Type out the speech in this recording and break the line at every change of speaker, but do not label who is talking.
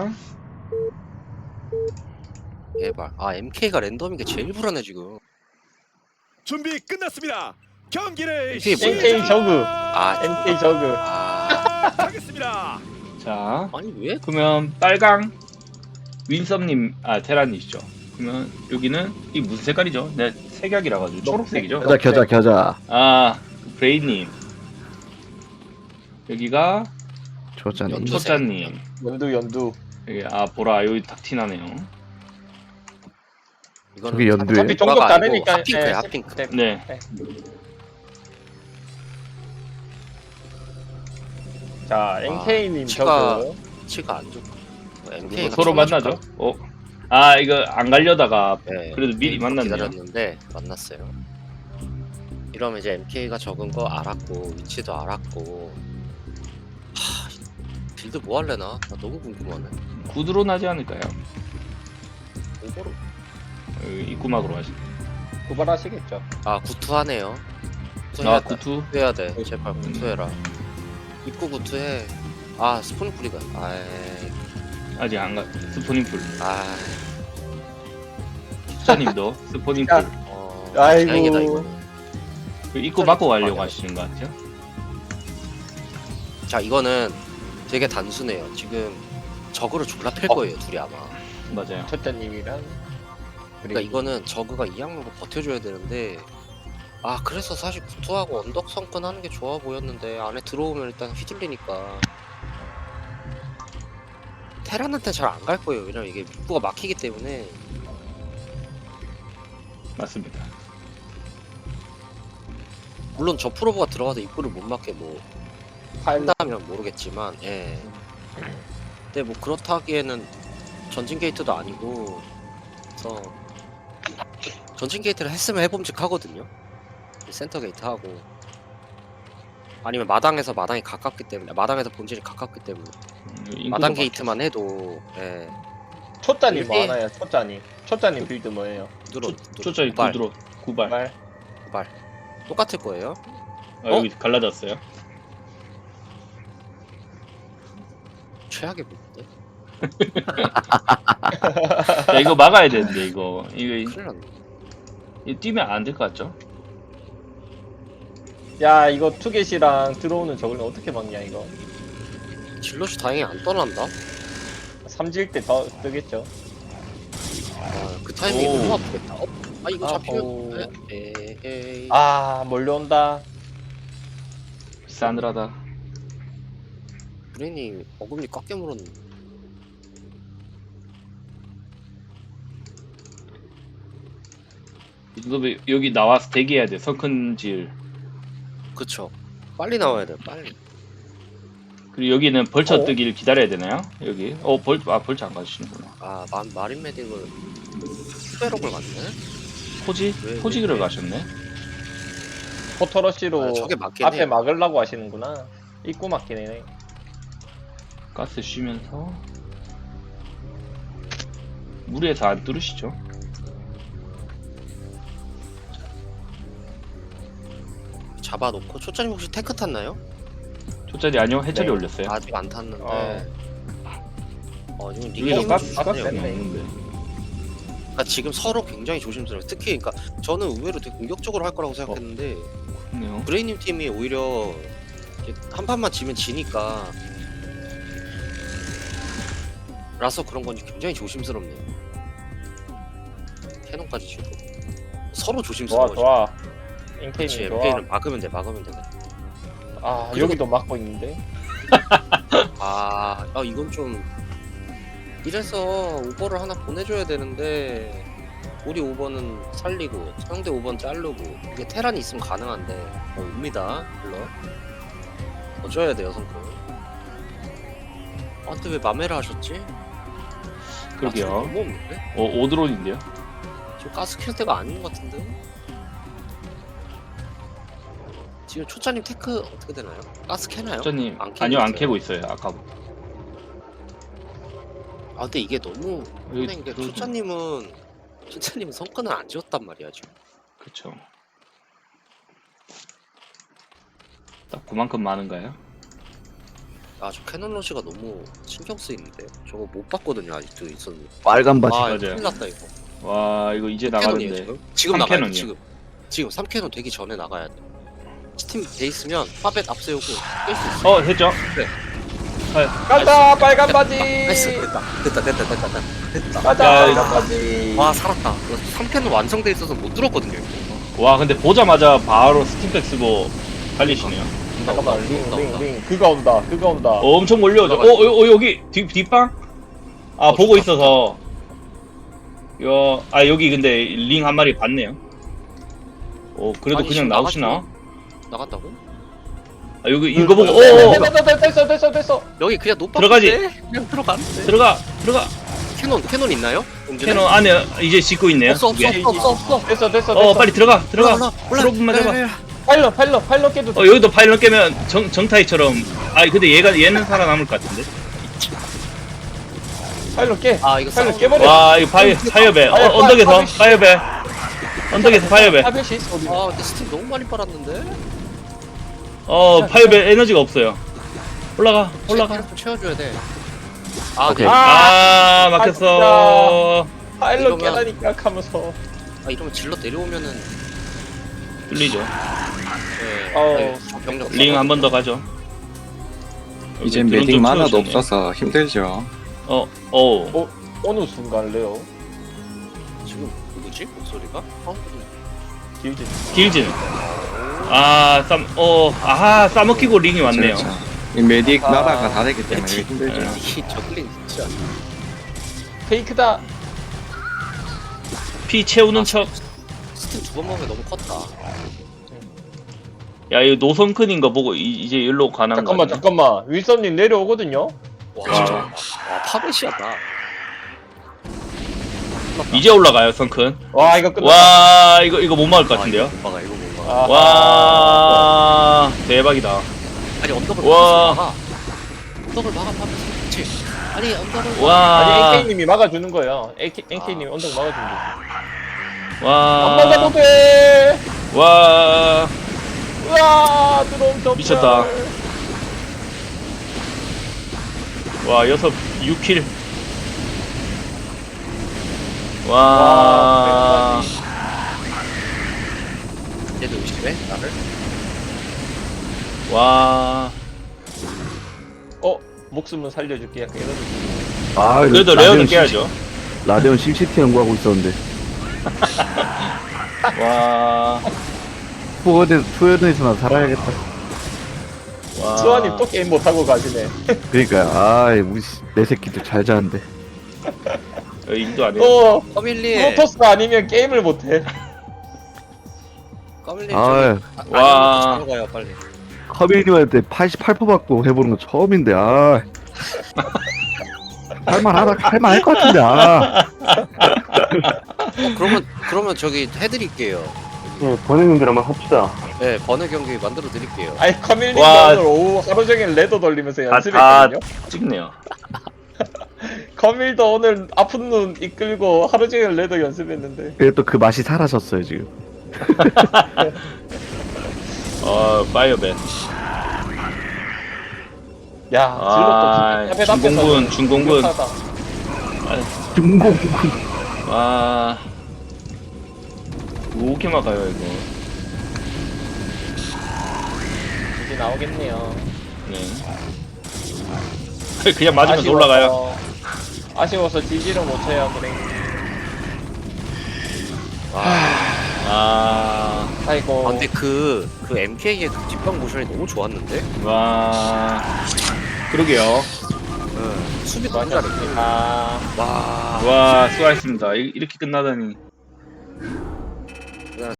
자,
제발. 아 MK가 랜덤인 게 제일 불안해 지금.
준비 끝났습니다. 경기를
MK 뭐야?
MK 저그.
아
MK 저그.
아
시작하겠습니다.
자,
아니 왜?
그러면 빨강 윈썸님, 테란이시죠. 그러면 여기는 이 무슨 색깔이죠? 네, 색약이라 가지고 초록색이죠.
겨자.
아, 브레이님. 여기가
초짜님.
연두색.
초짜님.
연두.
여기 보라 여기 딱 티나네요.
이거는
저기 연두에.
어차피 종족 다르니까.
핫핑크야
예,
핫핑크.
네.
자, NK님
치가-
저그.
치가 안 좋고. MK
이거 서로 만나죠. 이거 안 가려다가
네,
그래도 미리 만났네요.
기다렸는데 만났어요. 이러면 이제 MK가 적은 거 알았고 위치도 알았고. 빌드 뭐 할래나? 나 너무 궁금하네.
구드로 나지 않을까요?
오버로.
여기 입구막으로 하시.
고발하시겠죠.
아 구투하네요. 구투해야 돼.
구투.
구투해야 돼. 제발 구투해라. 입구 구투해. 아 스폰 뿌리가.
아직 안 가. 스포닝풀.
아.
초짜님도 스포닝풀.
아이고.
다행이다 이거는.
입구 막고 가려고 하시는 것 같아요.
자 이거는 되게 단순해요. 지금 적으로 졸라 팰 거예요 둘이 아마.
맞아요.
첫째님이랑.
그러니까 이거는 저그가 이 양으로 버텨줘야 되는데 그래서 사실 구투하고 언덕 성권 하는 게 좋아 보였는데 안에 들어오면 일단 휘둘리니까 테란한테 잘 안 갈 거예요. 왜냐면 이게 입구가 막히기 때문에.
맞습니다.
물론 저 프로브가 들어가서 입구를 못 막게 뭐 한다면 모르겠지만 근데 뭐 그렇다 하기에는 전진 게이트도 아니고 그래서 전진 게이트를 했으면 해봄직하거든요. 센터 게이트 하고 아니면 마당에서 마당이 가깝기 때문에 마당에서 본진이 가깝기 때문에 마당 게이트만 해도
초짜님 뭐
이게-
하나요? 초짜님. 초짜님 빌드 뭐예요?
초짜님
구발.
구드로. 구발.
말.
똑같을 거예요.
여기 갈라졌어요.
최악의 부분인데
야, 이거 막아야 되는데 이거
큰일 났네.
이거 뛰면 안 될 것 같죠?
야, 이거 투겟이랑 들어오는 저걸 어떻게 막냐 이거.
질럿이 다행히 안 떠난다.
삼질 때 더 뜨겠죠.
그 타이밍이
오.
너무 아프겠다. 이거
아우.
잡히면 에이.
몰려온다.
싸늘하다.
브레인이 어금니 꽉 깨물었는데.
너 여기 나와서 대기해야 돼. 석큰질.
그쵸. 빨리 나와야 돼. 빨리.
그리고 여기는 벌쳐
어?
뜨기를 기다려야 되나요? 여기. 벌쳐 안 가시는구나.
마린 메딕을 후배록을 갔네.
포지?
왜,
포지기를
왜?
가셨네.
포터러시로
저게 맞긴
앞에
해.
막으려고 하시는구나. 입구 막히네.
가스 쉬면서 무리해서 안 뚫으시죠?
잡아놓고 초짜님 혹시 테크 탔나요?
초짜리 아니요? 해철이
네.
올렸어요.
아직 안 탔는데. 지금
여기도
리게임은
가스
좋네요.
없는데.
그러니까 지금 서로 굉장히 조심스러워요. 특히 그러니까 저는 의외로 되게 공격적으로 할 거라고 생각했는데
그렇네요.
브레이님 팀이 오히려 이제 한 판만 지면 지니까 라서 그런 건지 굉장히 조심스럽네요. 캐논까지 주고 서로 조심스러워.
좋아.
그렇지.
NK님 좋아.
MK는 막으면 돼. 그리고-
여기도 막고 있는데.
이건 좀 이래서 오버를 하나 보내줘야 되는데 우리 오버는 살리고 상대 오버는 자르고 이게 테란이 있으면 가능한데 옵니다. 물론 어줘야 돼요 성공. 근데 왜 마메라 하셨지?
그러게요.
너무 없는데?
오드론인데요?
지금 가스 킬 때가 아닌 것 같은데? 지금 초짜님 테크 어떻게 되나요? 가스 캐나요?
초짜님
안 캐고
아니요, 안
있어요.
캐고 있어요. 아까부터.
근데 이게 너무
여기
혼낸 게
들어오죠.
초짜님은 성과는 안 지웠단 말이야 지금.
그쵸. 딱 그만큼 많은가요?
아, 저 캐논 러시가 너무 신경 쓰이는데. 저거 못 봤거든요, 아직도 있었는데.
빨간 바지.
아,
맞아요.
큰일 났다, 이거.
와 이거 이제
캐논이에요,
나가는데.
지금? 지금
3
나가야 돼,
캐논이요.
지금. 지금 3캐논 되기 전에 나가야 돼. 스팀 돼 있으면 파벳 앞세우고 깰 수 있어.
했죠?
가자 빨간 바지.
나이스, 됐다.
가자
야,
빨간 바지.
와, 살았다. 3캐논 완성돼 있어서 못 들었거든요, 이거.
와 근데 보자마자 바로 스팀팩 쓰고 달리시네요.
잠깐만
온다.
링 그가 온다 그가 온다.
엄청 몰려오죠. 여기 뒷방? 아 보고
좋다,
있어서. 여기 근데 링 한 마리 봤네요. 그래도
아니,
그냥
지금
나오시나?
나갔다고?
아 여기 이거 보고
됐어.
여기 그냥 노빠
들어가지.
그냥 들어가는데.
들어가.
캐논 있나요? 용진에?
캐논 안에 이제 짓고 있네요.
없어.
됐어.
빨리 들어가.
올라.
프로브만 해봐.
파일럿 깨도 돼.
여기도 파일럿 깨면 정타이처럼. 근데 얘는 살아남을 것 같은데.
파일럿 깨.
아, 이거
파일럿
싸움.
깨버려.
와 이거 파이어배. 언덕에서 파이어배. 언덕에서 파이어배.
파벳이 있어 어디?
아, 근데 스팀 너무 많이 빨았는데.
파이어배 에너지가 없어요. 올라가.
좀 채워줘야 돼. 아,
오케이.
네.
막혔어.
파일럿
이러면-
깨라니까 하면서.
아, 이러면 질러 내려오면은
뚫리죠.
네. 저 병력
링 한 번 더 가죠.
이제
드론
메딕
좀
만화도
채워주셨네요.
없어서 힘들죠.
어느 순간래요?
지금 누구지? 목소리가?
길지.
길진. 싸먹히고 링이 왔네요.
그렇죠. 이 메딕
아,
나라가 다르기 때문에
그렇지.
힘들죠.
네.
이 저글링 진짜.
페이크다.
피 채우는 척.
스팀 두 번 먹으면 너무 컸다.
야, 이거 노선큰인 거 보고 이제 일로 가는 거.
잠깐만. 윌선님 내려오거든요.
와, 진짜. 와, 파벳이었다.
이제 올라가요, 선큰.
와 이거 끝났다.
와, 이거 못 막을 것 같은데요.
이거 못 막아, 이거 못 막아.
아하.
와, 대박이다.
아니, 언덕을
와.
막아. 언덕을 막아, 파벳. 그렇지. 아니, 언덕을
와,
아니 NK님이 막아주는 거예요. NK님이 언덕 막아주는 거. 안 막아도
와,
돼.
와,
우와 드론 더.
미쳤다. 와, 6킬. 와,
얘도 의심해? 나를?
와.
목숨은 살려줄게. 약간 이런 느낌.
그래도 레어는 깨야죠.
라데온 심시티 연구하고 있었는데
와,
투어드에서나 살아야겠다.
와.
수아님 또 게임 못하고 가시네.
그러니까 우리 내 새끼들 잘 자는데.
일도 안 해요.
또
커밀리.
프로토스가 아니면 게임을 못해.
커밀리.
아
와.
와. 가요 빨리.
커밀님한테 88% 받고 해보는 거 처음인데 할만할 것 같은데
그러면 저기 해드릴게요.
번외님들 한번 합시다.
네, 번외 경기 만들어 드릴게요.
아니 커밀리가
와.
오늘 오후 하루 종일 레더 돌리면서
다
연습했거든요.
찍네요.
커밀도 오늘 아픈 눈 이끌고 하루 종일 레더 연습했는데.
그래도 그 맛이 사라졌어요 지금.
파이어배.
야 질럿도
중공군, 중공군.
중공.
와. 이렇게 막아요, 이거.
이제 나오겠네요.
네. 그냥 맞으면 올라가요.
아쉬워서 지지를 못해요. 그래. 아이고.
아, 근데 그 MK의 그 뒷방 모션이 너무 좋았는데?
와. 그러게요.
수비 너무 잘했네.
아.
와.
와, 수고하셨습니다. 이렇게 끝나다니.